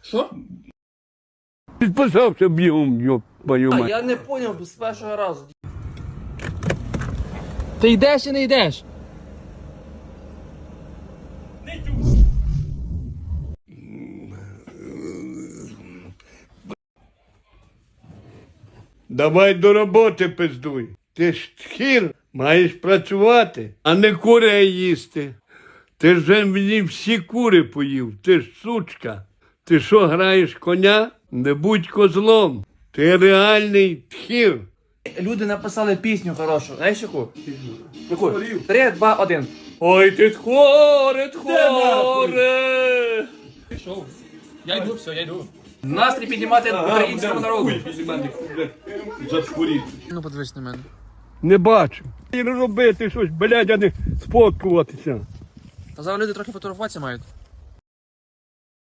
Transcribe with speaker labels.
Speaker 1: Що?
Speaker 2: Підписався бігом, йоп, твою
Speaker 1: А
Speaker 2: мать.
Speaker 1: я не поняв з першого разу.
Speaker 3: Ти йдеш чи не йдеш?
Speaker 2: Давай до роботи пиздуй. Ти ж тхір, маєш працювати, а не кури їсти. Ти ж вже мені всі кури поїв, ти ж сучка. Ти що, граєш коня? Не будь козлом. Ти реальний тхір.
Speaker 1: Люди написали пісню хорошу. Знаєш яку? Яку? 3, 2, 1.
Speaker 2: Ой, ти тхоре, тхоре.
Speaker 3: Пішов. Я йду, все, я йду.
Speaker 1: Настрій піднімати українському народу.
Speaker 3: Ну, подивись на мене.
Speaker 2: Не бачу. І робити щось, блядь, а не сфоткуватися.
Speaker 3: Та зараз люди трохи фотографуватися мають.